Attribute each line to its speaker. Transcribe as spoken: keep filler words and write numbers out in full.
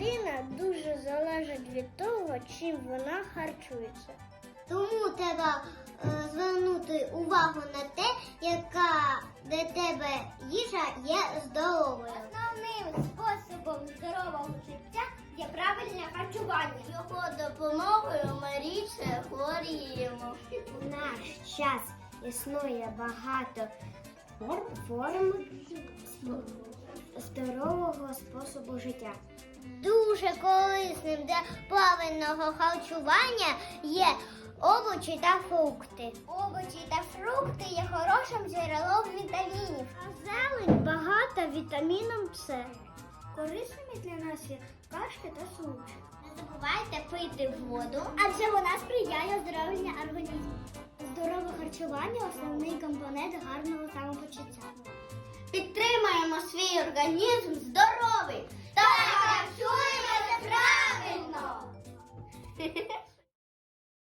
Speaker 1: людина дуже залежить від того, чим вона харчується.
Speaker 2: Тому треба е, звернути увагу на те, яка для тебе їжа є здоровою.
Speaker 3: Основним способом здорового життя є правильне харчування. Його допомогою ми рідше хворіємо.
Speaker 2: У наш час існує багато форм здорового способу життя.
Speaker 3: Дуже корисним для правильного харчування є овочі та фрукти. Овочі та фрукти є хорошим джерелом вітамінів.
Speaker 1: А зелень багата вітаміном С.
Speaker 2: Корисними для нас є кашки та сумчі.
Speaker 3: Не забувайте пити воду,
Speaker 2: Адже вона сприяє оздоровленню організму. Здорове харчування – основний компонент гарного самопочуття.
Speaker 3: підтримаємо свій організм здоровий та харчуємося правильно.